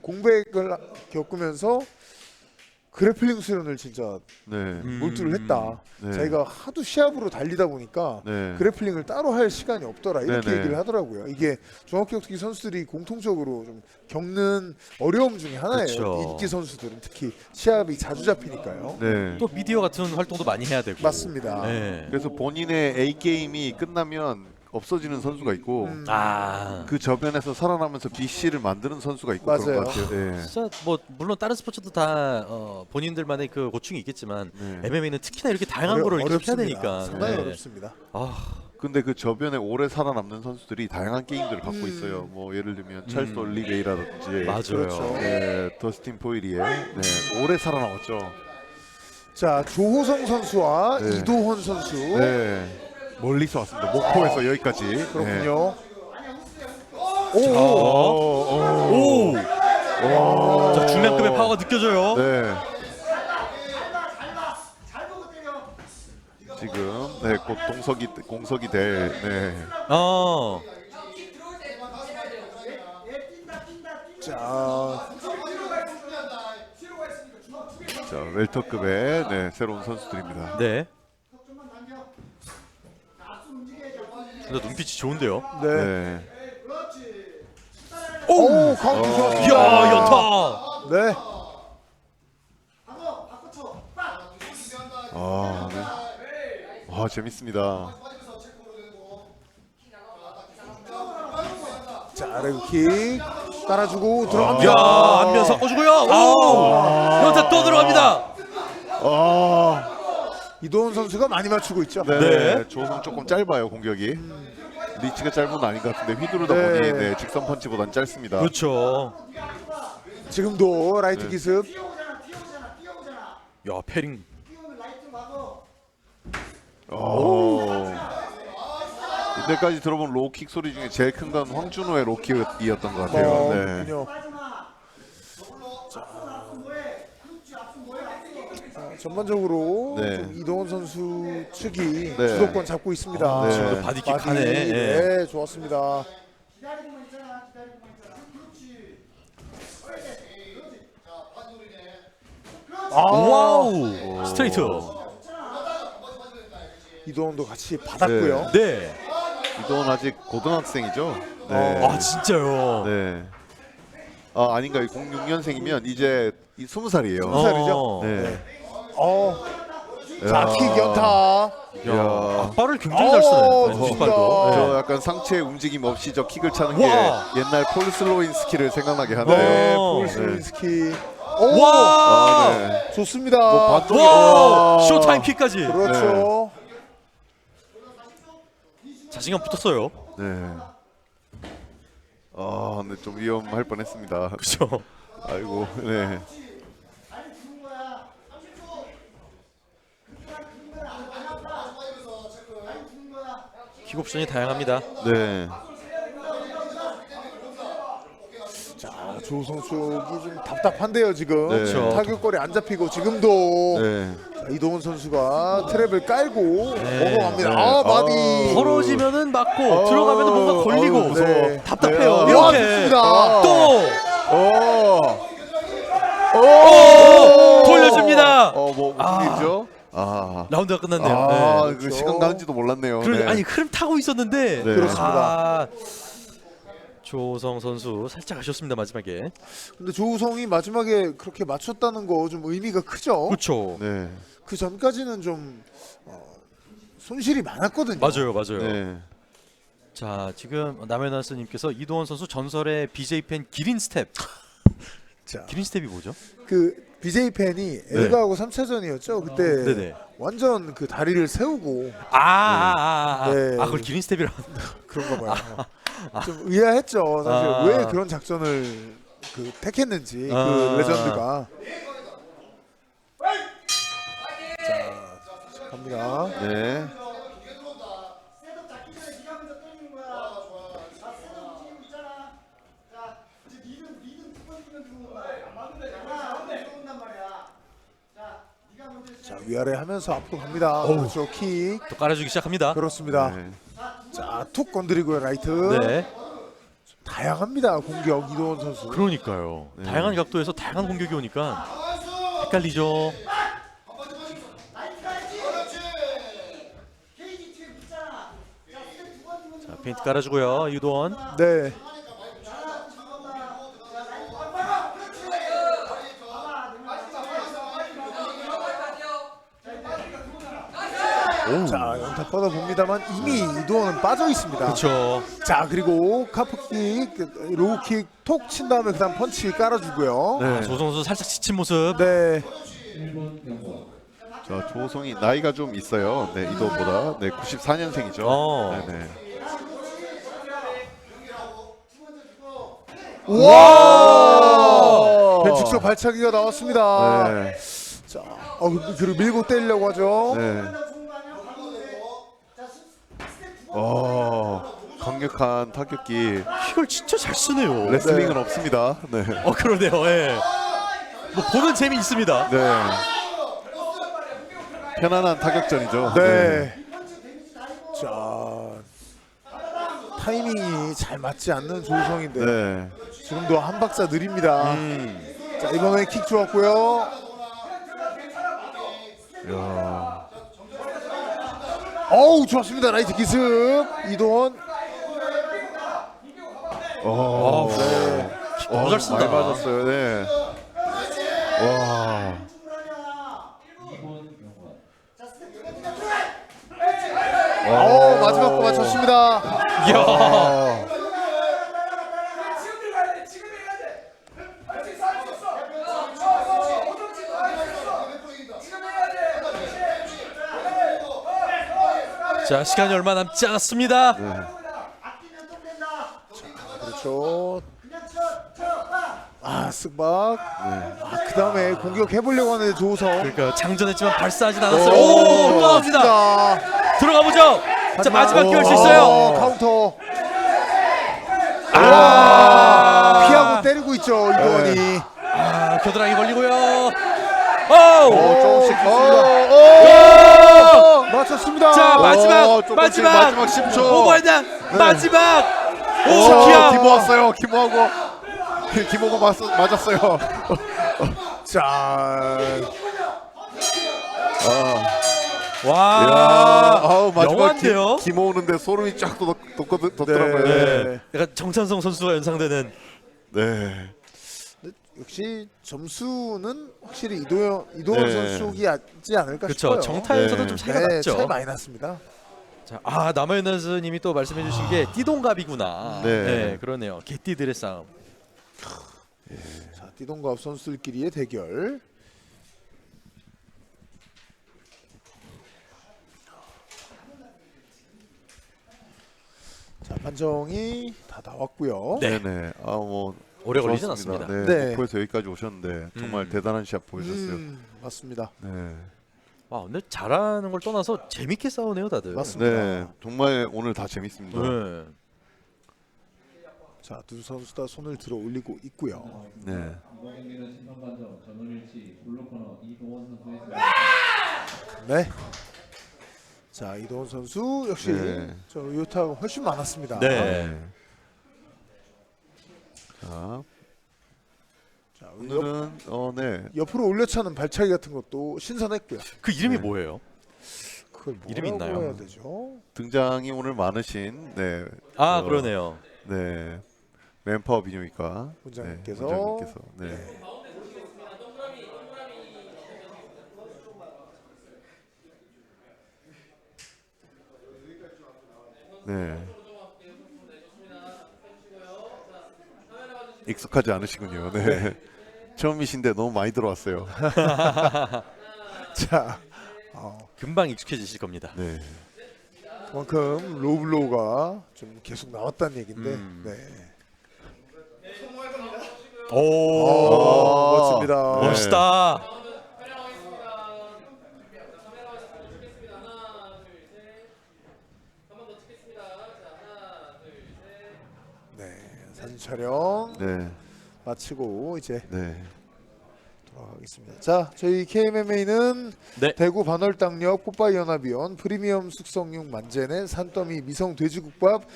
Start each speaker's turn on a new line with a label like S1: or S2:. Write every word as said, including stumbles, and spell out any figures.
S1: 공백을 겪으면서 그래플링 수련을 진짜
S2: 네.
S3: 음.
S1: 몰두를 했다.
S2: 네.
S1: 자기가 하도 시합으로 달리다 보니까
S2: 네.
S1: 그래플링을 따로 할 시간이 없더라 이렇게
S2: 네네.
S1: 얘기를 하더라고요. 이게 종합격투기 선수들이 공통적으로 좀 겪는 어려움 중에 하나예요.
S3: 그쵸.
S1: 인기 선수들은 특히 시합이 자주 잡히니까요.
S2: 네.
S3: 또 미디어 같은 활동도 많이 해야 되고.
S1: 맞습니다.
S3: 네.
S2: 그래서 본인의 A 게임이 끝나면 없어지는 선수가 있고
S1: 음.
S3: 아.
S2: 그 저변에서 살아나면서 B C를 만드는 선수가 있고
S1: 맞아요.
S2: 그런 것 같아요. 네.
S3: 진짜 뭐 물론 다른 스포츠도 다 어, 본인들만의 그 고충이 있겠지만
S2: 네.
S3: 엠엠에이는 특히나 이렇게 다양한
S1: 어려-
S3: 거를 이렇게 해야
S1: 어렵습니다.
S3: 되니까.
S1: 상당히
S3: 네.
S1: 어렵습니다.
S3: 아,
S2: 근데 그 저변에 오래 살아남는 선수들이 다양한 게임들을 갖고
S1: 음.
S2: 있어요. 뭐 예를 들면 찰스 올리베이라든지
S3: 맞아요.
S1: 그렇죠.
S2: 네, 더스틴 포일이에 네, 오래 살아남았죠.
S1: 자, 조호성 선수와
S2: 네.
S1: 이도헌 선수.
S2: 네. 멀리서 왔습니다. 목포에서 여기까지. 네.
S1: 그렇군요.
S3: 자,
S1: 오,
S3: 오. 자, 중량급의 파워가 느껴져요.
S2: 네. 지금 네, 곧 동석이 공석이 될 네.
S3: 어.
S1: 자,
S2: 자, 웰터급의 네, 새로운 선수들입니다.
S3: 네. 근데 눈빛이 좋은데요.
S1: 네.
S2: 네.
S1: 오, 카운트 좋았습니다.
S3: 이야, 연타.
S1: 네.
S2: 아, 네. 와, 재밌습니다.
S1: 자, 레그킥 따라주고 들어갑니다.
S3: 야, 안면 섞어주고요. 오. 연타 또 들어갑니다.
S2: 아,
S1: 이도훈 선수가 많이 맞추고 있죠.
S2: 네.
S3: 네.
S2: 조성 조금 짧아요, 공격이. 리치가 짧은 건 아닌 것 같은데 휘두르다
S1: 네.
S2: 보니 네, 직선 펀치보단 짧습니다.
S3: 그렇죠.
S1: 지금도 라이트
S2: 네.
S1: 기습.
S3: 야, 패링.
S2: 오. 이때까지 들어본 로킥 소리 중에 제일 큰 건 황준호의 로킥이었던 것 같아요.
S1: 어,
S2: 네.
S1: 그렇군요. 자, 전반적으로
S2: 네.
S1: 좀 이도훈 선수 측이
S2: 네.
S1: 주도권 잡고 있습니다.
S2: 네.
S3: 지금도 바디킥
S1: 바디,
S3: 하네. 예.
S1: 네, 좋았습니다. 아,
S3: 와우. 스트레이트.
S1: 이도훈도 같이 받았고요.
S3: 네.
S2: 이동은 아직 고등학생이죠. 네.
S3: 아, 진짜요.
S2: 네. 아, 아닌가? 공육 년생이면 이제 스무 살이에요.
S1: 스무 살이죠?
S3: 어.
S2: 네.
S1: 어, 자,
S2: 야.
S1: 킥 연타.
S3: 야, 앞발을 굉장히 잘 쓰네.
S1: 어,
S3: 네,
S1: 좋습니다.
S3: 뒷발도.
S2: 저
S3: 네.
S2: 약간 상체 움직임 없이 저 킥을 차는 게
S3: 와.
S2: 옛날 폴 슬로인스키를 생각나게 하네요.
S1: 네,
S3: 어.
S1: 폴스윈스키. 오,
S3: 와!
S2: 아, 네.
S1: 좋습니다.
S2: 뭐 반동이-
S3: 와!
S2: 와.
S3: 쇼타임 킥까지.
S1: 그렇죠.
S3: 자신감 붙었어요.
S2: 네. 아, 근데 좀 위험할 뻔했습니다.
S3: 그렇죠.
S2: 아이고, 네.
S3: 킥 옵션이 다양합니다.
S2: 네.
S1: 자, 조성 쪽이 좀 답답한데요 지금.
S2: 네.
S3: 그렇죠.
S1: 타격거리 안 잡히고 지금도
S2: 네.
S1: 자, 이동훈 선수가 트랩을 깔고
S3: 네.
S1: 넘어갑니다.
S2: 네.
S1: 아, 바디.
S2: 아.
S3: 벌어지면은 맞고
S1: 어.
S3: 들어가면은 뭔가 걸리고
S2: 어우, 무서워.
S1: 네.
S3: 답답해요.
S2: 네.
S1: 와,
S3: 이렇게
S1: 좋습니다.
S3: 또
S2: 어.
S3: 오! 돌려줍니다.
S2: 어, 뭐 무슨
S3: 아.
S2: 일이죠? 아.
S3: 라운드가 끝났네요.
S2: 아,
S3: 네.
S2: 그
S1: 그렇죠.
S2: 시간 가는지도 몰랐네요.
S3: 그러,
S2: 네.
S3: 아니 흐름 타고 있었는데
S2: 네.
S1: 그렇습니다.
S3: 아, 조성 선수 살짝 아쉬웠습니다 마지막에.
S1: 근데 조우성이 마지막에 그렇게 맞췄다는 거 좀 의미가 크죠.
S3: 그렇죠.
S2: 네.
S1: 그 전까지는 좀 어, 손실이 많았거든요.
S3: 맞아요, 맞아요.
S2: 네.
S3: 자 지금 남현아스님께서 이도원 선수 전설의 비제이 팬 기린 스텝.
S1: 자,
S3: 기린 스텝이 뭐죠?
S1: 그 비제이 팬이 엘가하고 삼 차전이었죠. 그때
S3: 네네.
S1: 완전 그 다리를 세우고
S3: 아, 아, 아, 아,
S1: 네.
S3: 아 그걸 기린 스텝이라고.
S1: 그런가 봐요. 좀 의아했죠. 사실
S3: 아.
S1: 왜 그런 작전을 그 택했는지
S3: 아.
S1: 그 레전드가. 자, 갑니다.
S2: 네.
S1: 자, 위아래 하면서 앞으로 갑니다. 그렇죠. 킥.
S3: 또 깔아주기 시작합니다.
S1: 그렇습니다.
S2: 네.
S1: 자, 툭 건드리고요. 라이트.
S3: 네.
S1: 다양합니다. 공격 이도원 선수.
S3: 그러니까요.
S2: 네.
S3: 다양한 각도에서 다양한 공격이 오니까 헷갈리죠. 자, 페인트 깔아주고요. 이도원.
S1: 네. 자, 연타 뻗어 봅니다만 이미 이도원은 빠져 있습니다.
S3: 그렇죠.
S1: 자, 그리고 카프킥, 로우킥 톡 친 다음에 그다음 펀치 깔아주고요.
S2: 네.
S3: 조 선수 살짝 지친 모습.
S1: 네.
S2: 자, 조성이 나이가 좀 있어요. 네, 이도보다. 네, 구십사 년생이죠.
S3: 어.
S2: 네, 네.
S1: 와! 벤축소 발차기가 나왔습니다.
S2: 네.
S1: 자, 어, 그리고 밀고 때리려고 하죠.
S2: 네. 어, 강력한 타격기.
S3: 이걸 진짜 잘 쓰네요.
S2: 레슬링은 없습니다. 네.
S3: 어 그러네요. 예. 뭐 보는 재미 있습니다.
S2: 네. 편안한 타격전이죠.
S1: 네. 자, 타이밍이 잘 맞지 않는 조우성인데
S2: 네.
S1: 지금도 한 박자 느립니다.
S2: 음.
S1: 자, 이번에 킥 좋았고요.
S2: 야.
S1: 어우, 좋았습니다. 라이트 기습 이도원.
S2: 어.
S3: 네. 너무 잘 쓴다.
S2: 많이 맞았어요. 네. 와.
S1: 어, 마지막 거 맞췄습니다.
S3: 이야.
S2: 아.
S3: 자 시간이 얼마 남지 않았습니다.
S2: 네.
S1: 그렇죠. 아, 쓱박. 아, 그 다음에 공격해보려고 하는데 조우성.
S3: 그러니까 장전했지만 발사하진 않았어요.
S1: 오,
S3: 오, 또 나옵니다. 들어가 보죠. 자 마지막 기회 할 수 있어요.
S1: 어, 카운터.
S3: 아,
S1: 피하고 때리고 있죠 이도원이.
S3: 아 겨드랑이 걸리고요. 오.
S2: 어, 조금씩
S1: 어,
S2: 어,
S1: 어, 맞췄습니다.
S3: 자 마지막
S2: 어, 조금씩
S3: 마지막
S2: 마지막 십 초.
S3: 오버헤드 마지막. 오
S2: 오,
S3: 기아.
S2: 기모 왔어요. 기모하고 기모가 맞, 맞았어요.
S1: 자,
S2: 아,
S3: 와.
S2: 야, 아우 마지막
S3: 영화인데요?
S2: 기, 기모 오는데 소름이 쫙 돋, 돋, 돋더라고요.
S1: 네.
S2: 네.
S3: 약간 정찬성 선수가 연상되는.
S2: 네.
S1: 역시 점수는 확실히 이도현 이도원
S2: 네.
S1: 선수 쪽이 낫지 않을까
S3: 그렇죠.
S1: 싶어요.
S3: 정타에서도
S2: 네.
S3: 좀 차이가
S1: 네,
S3: 났죠.
S1: 차이 많이 났습니다.
S3: 자, 아 남아연나스님이 또 말씀해주신 게 띠동갑이구나.
S2: 네.
S3: 네, 그러네요. 개띠들의 싸움.
S1: 자, 띠동갑 선수들끼리의 대결. 자, 판정이 다 나왔고요.
S3: 네.
S2: 네네. 아뭐
S3: 오래 걸리진 않습니다.
S2: 네.
S1: 네.
S2: 목포에서 여기까지 오셨는데 정말
S3: 음.
S2: 대단한 시합 보여줬어요.
S1: 음, 맞습니다.
S2: 네.
S3: 와 오늘 잘하는 걸 떠나서 재밌게 싸우네요 다들.
S1: 맞습니다.
S2: 네. 정말 오늘 다 재밌습니다.
S3: 네.
S1: 자, 두 선수 다 손을 들어 올리고 있고요.
S2: 네.
S4: 이번 경기는 심판관정 전원일치 블루코너 이동원 선수의 승리.
S1: 네. 자, 이도원 선수 역시
S2: 네.
S1: 저 요타가 훨씬 많았습니다.
S3: 네.
S2: 자,
S1: 자, 옆,
S2: 오늘은 어 네.
S1: 옆으로 올려차는 발차기 같은 것도 신선했고요.
S3: 그 이름이
S2: 네.
S3: 뭐예요?
S1: 그걸 뭐라고
S3: 이름이 있나요?
S1: 해야 되죠?
S2: 등장이 오늘 많으신 네.
S3: 아
S2: 어,
S3: 그러네요.
S2: 네. 맨파워 비뇨기과
S1: 원장님께서.
S2: 네, 원장님께서 네. 네. 익숙하지 않으시군요. 네. 처음이신데 너무 많이 들어왔어요.
S1: 자, 어,
S3: 금방 익숙해지실 겁니다.
S2: 네.
S1: 그만큼 로블로우가 좀 계속 나왔다는 얘긴데.
S3: 음.
S1: 네.
S3: 오,
S1: 오, 멋집니다.
S2: 네.
S3: 멋있다.
S1: 네, 사진 촬영
S2: 네.
S1: 마치고 이제
S2: 네.
S1: 돌아가겠습니다. 자, 저희 케이엠엠에이는
S3: 네.
S1: 대구 반월당역 뽀빠이 연합위원 프리미엄 숙성육 만젠의 산더미 미성 돼지국밥